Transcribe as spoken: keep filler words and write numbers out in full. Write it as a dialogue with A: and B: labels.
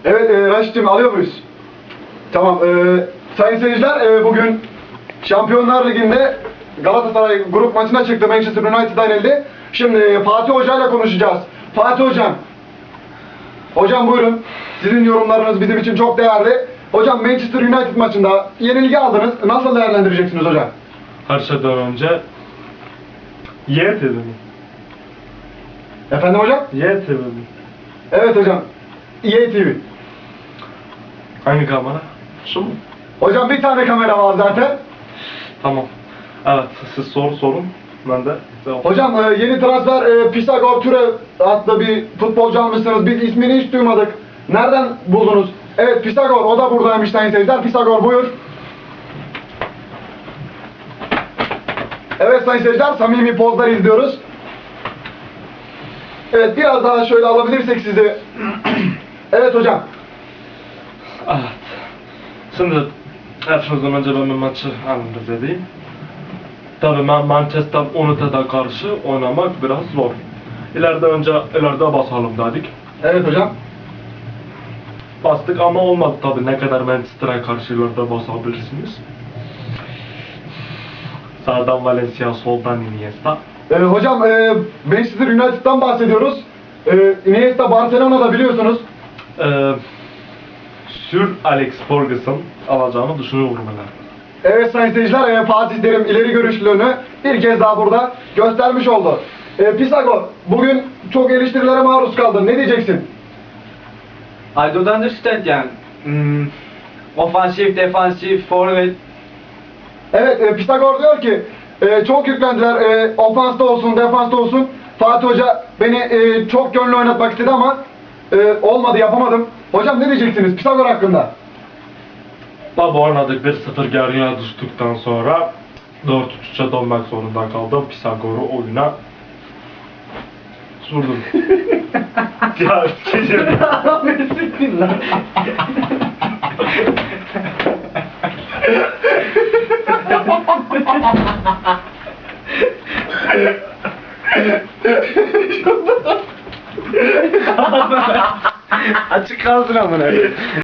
A: Evet e, Raşit'cim alıyor muyuz? Tamam. E, sayın seyirciler e, bugün Şampiyonlar Ligi'nde Galatasaray grup maçına çıktı. Manchester United'dan elde. Şimdi Fatih Hoca ile konuşacağız. Fatih Hocam. Hocam buyurun. Sizin yorumlarınız bizim için çok değerli. Hocam Manchester United maçında yenilgi aldınız. Nasıl değerlendireceksiniz hocam?
B: Her şeyden önce Y T V mi?
A: Efendim hocam?
B: Y T V mi?
A: Evet hocam. E A T V.
B: Hangi kamera? Şu mu?
A: Hocam bir tane kamera var zaten.
B: Tamam. Evet, siz soru sorun. Ben de cevap.
A: Hocam e, yeni transfer e, Pisagor Türe adlı bir futbolcu almışsınız. Biz ismini hiç duymadık. Nereden buldunuz? Evet Pisagor, o da buradaymış sayın seyirciler. Pisagor buyur. Evet sayın seyirciler, samimi pozlar izliyoruz. Evet biraz daha şöyle alabilirsek sizi. Evet hocam.
B: Evet. Şimdi her şeyden önce ben bir maçı analiz edeyim. Tabii ben Manchester United'a karşı oynamak biraz zor. İleride önce ileride basalım dedik.
A: Evet hocam.
B: Bastık ama olmadı tabii. Ne kadar Manchester'a karşı ileride basabilirsiniz. Sağdan Valencia, soldan Iniesta.
A: Ee, hocam e, Manchester United'dan bahsediyoruz. E, Iniesta Barcelona'da biliyorsunuz.
B: Ee, Sir Alex Ferguson alacağını düşünüyorum ben.
A: Evet sayın seyirciler, e, Fatih Terim ileri görüşlülüğünü bir kez daha burada göstermiş oldu. E, Pisagor, bugün çok eleştirilere maruz kaldın. Ne diyeceksin?
C: I don't understand yani. Hmm, ofansif, defansif, forvet.
A: Evet, e, Pisagor diyor ki e, çok yüklendiler. E, ofansta olsun, defansta olsun. Fatih Hoca beni e, çok gönlü oynatmak istedi ama e, olmadı, yapamadım. Hocam ne diyeceksiniz Pisagor hakkında?
B: Tabi oynadık bir sıfır geriye düştükten sonra dört üç üçe dönmek zorunda kaldım. Pisagor'u oyuna sürdüm. Ya geçelim.
C: Açık kalsın amına.